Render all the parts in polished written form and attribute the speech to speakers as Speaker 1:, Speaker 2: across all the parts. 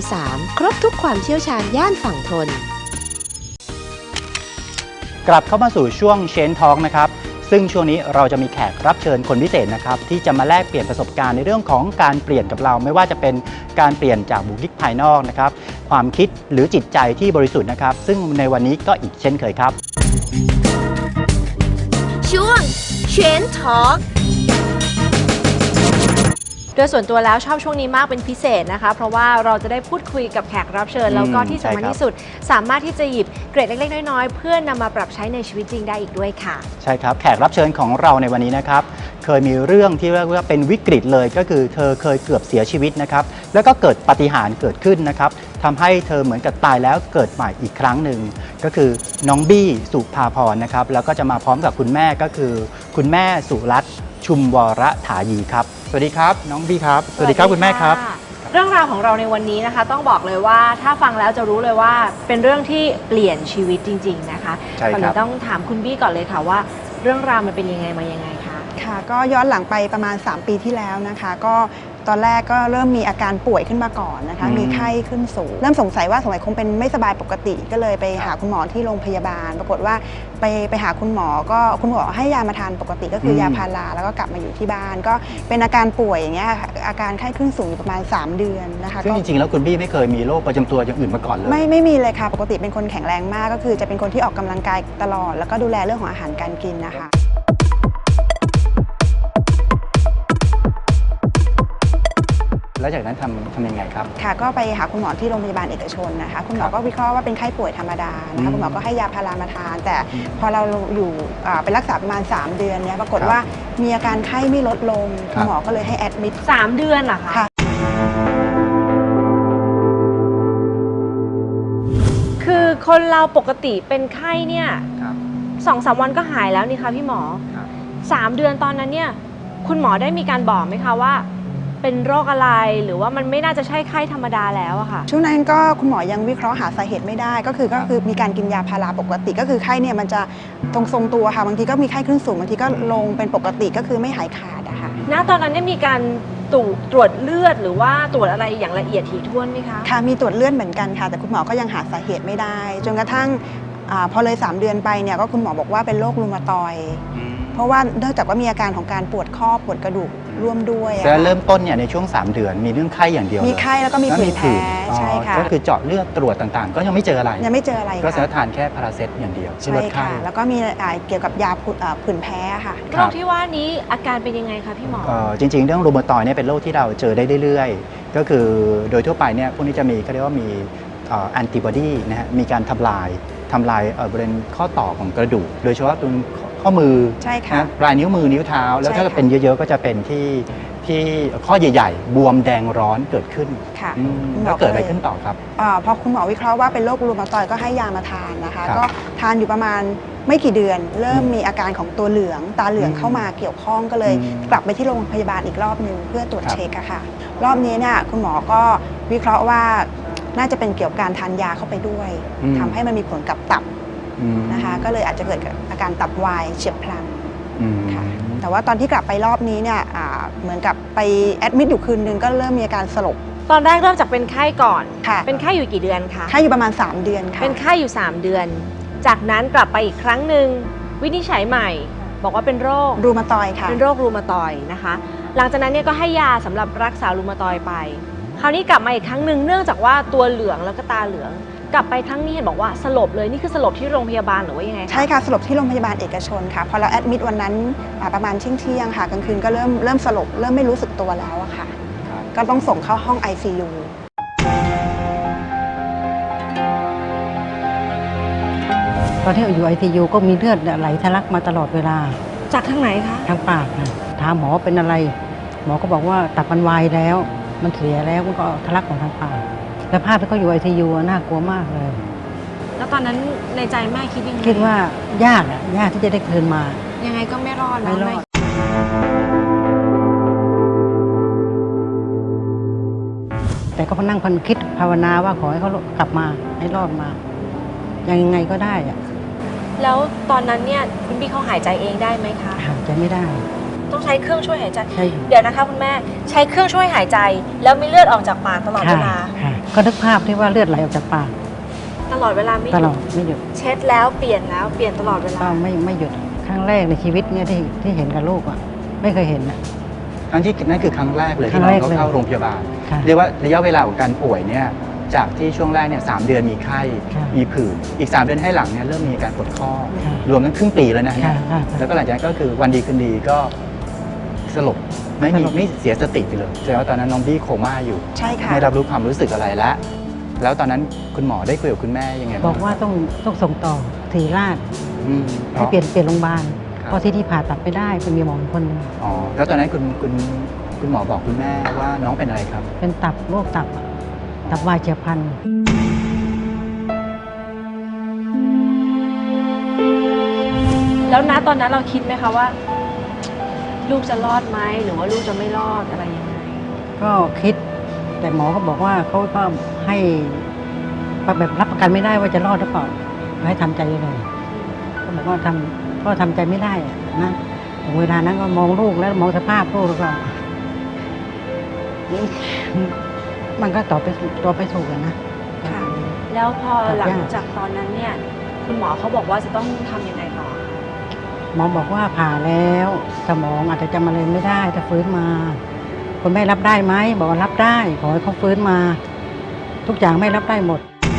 Speaker 1: 3 ครบทุกความเชี่ยวชาญย่านฝั่งทน
Speaker 2: กลับเข้ามาสู่ช่วงเชนทอล์กนะครับซึ่งช่วงนี้เราจะมีแขกรับเชิญคนพิเศษนะครับที่จะมาแลกเปลี่ยนประสบการณ์ในเรื่องของการเปลี่ยนกับเราไม่ว่าจะเป็นการเปลี่ยนจากบุคลิกภายนอกนะครับความคิดหรือจิตใจที่บริสุทธิ์นะครับซึ่งในวันนี้ก็อีกเช่นเคยครับ
Speaker 1: ช่วงเชนทอล์กโดยส่วนตัวแล้วชอบช่วงนี้มากเป็นพิเศษนะคะเพราะว่าเราจะได้พูดคุยกับแขกรับเชิญแล้วก็ที่สำคัญที่สุดสามารถที่จะหยิบเกร็ดเล็กๆน้อยๆเพื่อนำมาปรับใช้ในชีวิตจริงได้อีกด้วยค่ะ
Speaker 2: ใช่ครับแขกรับเชิญของเราในวันนี้นะครับเคยมีเรื่องที่เรียกว่าเป็นวิกฤตเลยก็คือเธอเคยเกือบเสียชีวิตนะครับแล้วก็เกิดปาฏิหาริย์เกิดขึ้นนะครับทำให้เธอเหมือนกับตายแล้วเกิดใหม่อีกครั้งหนึ่งก็คือน้องบี้สุภาพรนะครับแล้วก็จะมาพร้อมกับคุณแม่ก็คือคุณแม่สุรัตน์ชุมวรถายีครับสวัสดีครับน้องบี้ครับสวัสดีครับคุณแม่ครับ
Speaker 1: เรื่องราวของเราในวันนี้นะคะต้องบอกเลยว่าถ้าฟังแล้วจะรู้เลยว่าเป็นเรื่องที่เปลี่ยนชีวิตจริงๆนะคะตอนนี้ต้องถามคุณบี้ก่อนเลยค่ะว่าเรื่องราวมันเป็นยังไงมายังไงคะ
Speaker 3: ค่ะก็ย้อนหลังไปประมาณ3ปีที่แล้วนะคะก็ตอนแรกก็เริ่มมีอาการป่วยขึ้นมาก่อนนะคะมีไข้ขึ้นสูงเริ่มสงสัยว่าสงสัยคงเป็นไม่สบายปกติก็เลยไปหาคุณหมอที่โรงพยาบาลปรากฏว่าไปหาคุณหมอก็คุณหมอให้ยามาทานปกติก็คือยาพาราแล้วก็กลับมาอยู่ที่บ้านก็เป็นอาการป่วยอย่างเงี้ยอาการไข้ขึ้นสูงอยู่ประมาณ3เดือนนะคะ
Speaker 2: ซึ่งจริงๆแล้วคุณบี้ไม่เคยมีโรคประจำตัวอย่างอื่นมาก่อนเลย
Speaker 3: ไม่มีเลยค่ะปกติเป็นคนแข็งแรงมากก็คือจะเป็นคนที่ออกกำลังกายตลอดแล้วก็ดูแลเรื่องของอาหารการกินนะคะ
Speaker 2: แล้วจากนั้นทำยังไงครับ
Speaker 3: ค่ะก็ไปหาคุณหมอที่โรงพยาบาลเอกชนนะคะคุณหมอก็วิเคราะห์ว่าเป็นไข้ป่วยธรรมดานะคะคุณหมอก็ให้ยาพารามาทานแต่พอเราอยู่ไปรักษาประมาณ3เดือนเนี่ยปรากฏว่ามีอาการไข้ไม่ลดลงคุณหมอก็เลยให้แอดมิด
Speaker 1: 3 เดือนเหรอคะคือคนเราปกติเป็นไข้เนี่ย2-3 วันก็หายแล้วนี่คะพี่หมอ3 เดือนตอนนั้นเนี่ยคุณหมอได้มีการบอกไหมคะว่าเป็นโรคอะไรหรือว่ามันไม่น่าจะใช่ไข้ธรรมดาแล้วอะค่ะ
Speaker 3: ช่วงนั้นก็คุณหมอยังวิเคราะห์หาสาเหตุไม่ได้ก็คือมีการกินยาพาราปกติก็คือไข้เนี่ยมันจะทรงตัวค่ะบางทีก็มีไข้ขึ้นสูงบางทีก็ลงเป็นปกติก็คือไม่หายขาดอะค่ะ
Speaker 1: ณตอนนั้นเนี่ยมีการตรวจเลือดหรือว่าตรวจอะไรอย่างละเอียดถี่ถ้วนไหมคะ
Speaker 3: ค่ะมีตรวจเลือดเหมือนกันค่ะแต่คุณหมอก็ยังหาสาเหตุไม่ได้จนกระทั่งพอเลย3เดือนไปเนี่ยก็คุณหมอบอกว่าเป็นโรครูมาตอยด์เพราะว่าเนื่องจากว่ามีอาการของการปวดข้อปวดกระดูกร่วมด้วย
Speaker 2: แล้วเริ่มต้นเนี่ยในช่วง3เดือนมีเรื่องไข้อย่างเดียว
Speaker 3: มีไข้แล้วก็มีผื่นแพ้ใช่ค่ะ
Speaker 2: ก็คือเจาะเลือดตรวจต่างๆก็ยังไม่เจออะไร
Speaker 3: ก็
Speaker 2: สามารถทานแค่พาราเซตอย่างเดียว
Speaker 3: ใช่ค่ะแล้วก็มีเกี่ยวกับยาผื่นแพ้ค่ะ
Speaker 1: โรคที่ว่านี้อาการเป็นยังไงคะพี่หมอ
Speaker 2: จริงๆเรื่องรูมาตอยด์เนี่ยเป็นโรคที่เราเจอได้เรื่อยๆก็คือโดยทั่วไปเนี่ยพวกนี้จะมีเขาเรียกว่ามีแอนติบอดีนะฮะมีการทำลายบริเวณข้อต่อของกระดูกโดยเฉพาะตรงข้อมือปลายนิ้วมือนิ้วเท้าแล้วถ้าเป็นเยอะๆก็จะเป็นที่ข้อใหญ่ๆบวมแดงร้อนเกิดขึ้นแล้วเกิดอะไรขึ้นต่อครับ
Speaker 3: พอคุณหมอวิเคราะห์ว่าเป็นโรครูมาตอยด์ก็ให้ยามาทานนะคะก็ทานอยู่ประมาณไม่กี่เดือนเริ่มมีอาการของตัวเหลืองตาเหลืองเข้ามาเกี่ยวข้องก็เลยกลับไปที่โรงพยาบาลอีกรอบนึงเพื่อตรวจเช็คค่ะรอบนี้เนี่ยคุณหมอก็วิเคราะห์ว่าน่าจะเป็นเกี่ยวกับการทานยาเข้าไปด้วยทำให้มันมีผลกับตับนะคะก็เลยอาจจะเกิดอาการตับวายเฉียบพลันค่ะแต่ว่าตอนที่กลับไปรอบนี้เนี่ยเหมือนกับไปแอดมิดอยู่คืนนึงก็เริ่มมีอาการสลบ
Speaker 1: ตอนแรกเริ่มจากเป็นไข้ก่อนเป็นไข้อยู่กี่เดือนคะ
Speaker 3: ไข้อยู่ประมาณ3เดือนค่ะ
Speaker 1: เป็นไข้อยู่3เดือนจากนั้นกลับไปอีกครั้งหนึ่งวินิจฉัยใหม่บอกว่าเป็นโรค
Speaker 3: รูมาตอยด์ค่ะ
Speaker 1: เป็นโรครูมาตอยด์นะคะหลังจากนั้นเนี่ยก็ให้ยาสำหรับรักษารูมาตอยด์ไปคราวนี้กลับมาอีกครั้งหนึ่งเนื่องจากว่าตัวเหลืองแล้วก็ตาเหลืองกลับไปครั้งนี้เห็นบอกว่าสลบเลยนี่คือสลบที่โรงพยาบาลหรือว่ายังไง
Speaker 3: ใช่ค่ะสลบที่โรงพยาบาลเอกชนค่ะพอเราแอดมิดวันนั้นประมาณเที่ยงค่ะกลางคืนก็เริ่มสลบเริ่มไม่รู้สึกตัวแล้วอะค่ะก็ต้องส่งเข้าห้อง ICU
Speaker 4: ตอนที่อยู่ ICU ก็มีเลือดไหลทะลักมาตลอดเวลา
Speaker 1: จากทางไหนคะ
Speaker 4: ทางปากค่ะถามหมอเป็นอะไรหมอก็บอกว่าตับมันวายแล้วมันเสียแล้วมันก็ทะลักของทางปากแล้วภาพที่เขาอยู่ ICU น่ากลัวมากเลย
Speaker 1: แล้วตอนนั้นในใจแม่คิดยังไง
Speaker 4: คิดว่ายากที่จะได้คืนมา
Speaker 1: ยังไงก็ไม่รอดแล้วแม่
Speaker 4: แต่ก็นั่งคิดภาวนาว่าขอให้เขากลับมาให้รอดมายังไงก็ได้อะ
Speaker 1: แล้วตอนนั้นเนี่ยคุณพี่เขาหายใจเองได้ไหมคะ
Speaker 4: หายใจไม่ได้
Speaker 1: ต้องใช้เครื่องช่วยหายใจเดี๋ยวนะคะคุณแม่ใช้เครื่องช่วยหายใจแล้วมีเลือดออกจากปากตลอดเวลา
Speaker 4: ก็นึกภาพที่ว่าเลือดไหลออกจากปาก
Speaker 1: ตลอดเวลาไม่ห
Speaker 4: ตล
Speaker 1: ยุ
Speaker 4: อ
Speaker 1: ด
Speaker 4: ดไม่หยุด
Speaker 1: เช็ดแล้วเปลี่ยนแล้วเปลี่ยนตลอดเวลา
Speaker 4: ก็ไม่หยุดครั้งแรกในชีวิตเนี่ยที่เห็นกับลูกอ่ะไม่เคยเห็นนะ
Speaker 2: ครั้งที่นั่นคือครั้งแรกเลย
Speaker 4: ครั้
Speaker 2: ที่
Speaker 4: ง
Speaker 2: น้
Speaker 4: แร
Speaker 2: อง
Speaker 4: ก
Speaker 2: เขา
Speaker 4: เลย
Speaker 2: เข้าโรงพยาบาล
Speaker 4: ค่ะ
Speaker 2: เรียกว่าระยะเวลาของการป่วยเนี่ยจากที่ช่วงแรกเนี่ย3 เดือนมีไข้
Speaker 4: ค่ะ
Speaker 2: มีผื่นอีก 3 เดือนให้หลังเนี่ยเริ่มมีอาการปวดข้อ
Speaker 4: ค่ะ
Speaker 2: รวมทั้งครึ่งปีแล้วนะฮะ
Speaker 4: ค่ะค่ะ
Speaker 2: แล้วก็หลังจากนั้นก็คือวันดีคืนดีก็สลบไม่
Speaker 4: สลบ
Speaker 2: ไม่เสียสติไปเลยแสดงว่าตอนนั้นน้องบี้โคม่าอยู่
Speaker 3: ใช่ค่ะ
Speaker 2: ไม่รับรู้ความรู้สึกอะไรแล้วตอนนั้นคุณหมอได้คุยกับคุณแม่ยังไง
Speaker 4: บอกว่าต้องส่งต่อศรีราช
Speaker 2: อืม
Speaker 4: ให้เปลี่ยนโรงพยาบาล
Speaker 2: ครับ
Speaker 4: เพราะที่นี่ผ่าตัดไม่ได้เป็นมีหมออีกคนหนึง
Speaker 2: อ๋อแล้วตอนนั้นคุณหมอบอกคุณแม่ว่าน้องเป็นอะไรครับ
Speaker 4: เป็นโรคตับวายเฉียบพลัน
Speaker 1: แล้วนะตอนนั้นเราคิดไหมคะว่า ลูกจะรอดไหมหรือว่าลูกจะไม่รอดอะไรยังไง
Speaker 4: ก็คิด แต่หมอก็บอกว่าเขาก็ให้แบบรับประกันไม่ได้ว่าจะรอดหรือเปล่าให้ทำใจเลยก็บอกว่าทำใจไม่ได้อะนะถึงเวลานั้นก็มองลูกแล้วมองสภาพลูกแล้วก็ มันก็ต่อไปสู่กันนะ
Speaker 1: ค่ะ แล้วพอหลัง
Speaker 4: ยาก
Speaker 1: จากตอนนั้นเนี่ย คุณหมอเขาบอกว่าจะต้องทำยังไงต่อ
Speaker 4: หมอบอกว่าผ่าแล้วสมองอาจจะจำอะไรไม่ได้ถ้าฟื้นมาคุณแม่รับได้ไหมบอกว่ารับได้ขอให้เขาฟื้นมา ทุกอย่างไม่รับได้หมด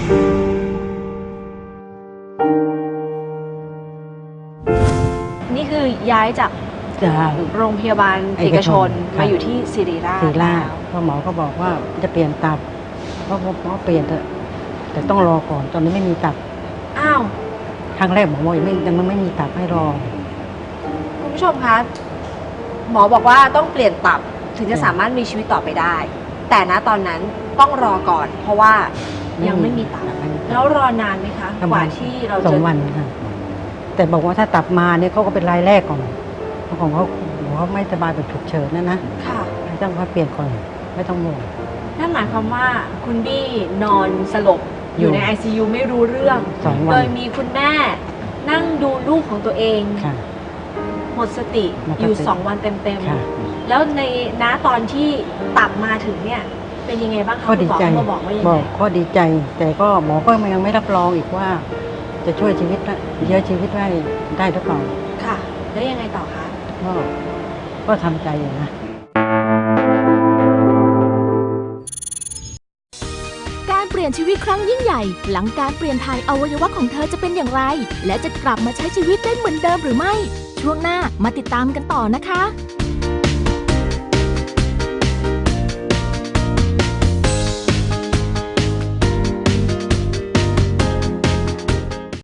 Speaker 1: นี่คือย้ายจาก
Speaker 4: จาก
Speaker 1: โรงพยาบาลเอกชน
Speaker 4: ค่ะ
Speaker 1: มาอยู่ที่ศิริราช
Speaker 4: ศรีราช
Speaker 1: แล้ว
Speaker 4: เพราะหมอก็บอกว่าจะเปลี่ยนตับเพราะเปลี่ยนเถอะแต่ต้องรอก่อนตอนนี้ไม่มีตับ
Speaker 1: อ้าว
Speaker 4: ครั้งแรกหมอบอกยังไม่มีตับให้รอ
Speaker 1: คุณผู้ชมคะ หมอบอกว่าต้องเปลี่ยนตับถึงจะสามารถมีชีวิตต่อไปได้ แต่ณตอนนั้นต้องรอก่อน เพราะว่ายังไม่มีตับ แล้วรอนานไหมคะ
Speaker 4: ประ
Speaker 1: ก
Speaker 4: มา
Speaker 1: ว่า
Speaker 4: ณ
Speaker 1: ที่เรา
Speaker 4: สอ
Speaker 1: จะ
Speaker 4: งวันค่ะแต่บอกว่าถ้าตับมาเนี่ยเขาก็เป็นรายแรกก่อนเพราะของเขาไม่สบายแบบฉุกเฉินนะ
Speaker 1: ค่ะ
Speaker 4: ไม่ต้องว่าเปลี่ยนก่อนไม่ต้องห่วง
Speaker 1: นั่นหมายความว่าคุณบี้นอนสลบอยู่ใน ICU ไม่รู้เรื่อง
Speaker 4: 2 วั
Speaker 1: โด
Speaker 4: น
Speaker 1: ยมีคุณแม่นั่งดูลูกของตัวเอง
Speaker 4: ค่ะ
Speaker 1: หมดสติ
Speaker 4: หมดสติ
Speaker 1: อยู่ 2 วันเต็ม
Speaker 4: ค่ะ
Speaker 1: ๆ แล้วในณตอนที่ตับมาถึงเนี่ย เป็นยังไงบ้างคะ
Speaker 4: ก็ดีใจ
Speaker 1: คุณหมอมาบอกว่ายัง
Speaker 4: บ
Speaker 1: ไง
Speaker 4: อกก็ดีใจ แต่ก็หมอก็ยังไม่รับรองอีกว่า จะช่วยชีวิตเยอะชีวิตได้หรือเปล่า
Speaker 1: ค่ะ แล้วยังไงต่อคะ
Speaker 4: ก็ทำใจอยู่นะ
Speaker 5: การเปลี่ยนชีวิตครั้งยิ่งใหญ่ หลังการเปลี่ยนถ่ายอวัยวะของเธอจะเป็นอย่างไร และจะกลับมาใช้ชีวิตได้เหมือนเดิมหรือไม่ ช่วงหน้ามาติดตามกันต่อนะคะ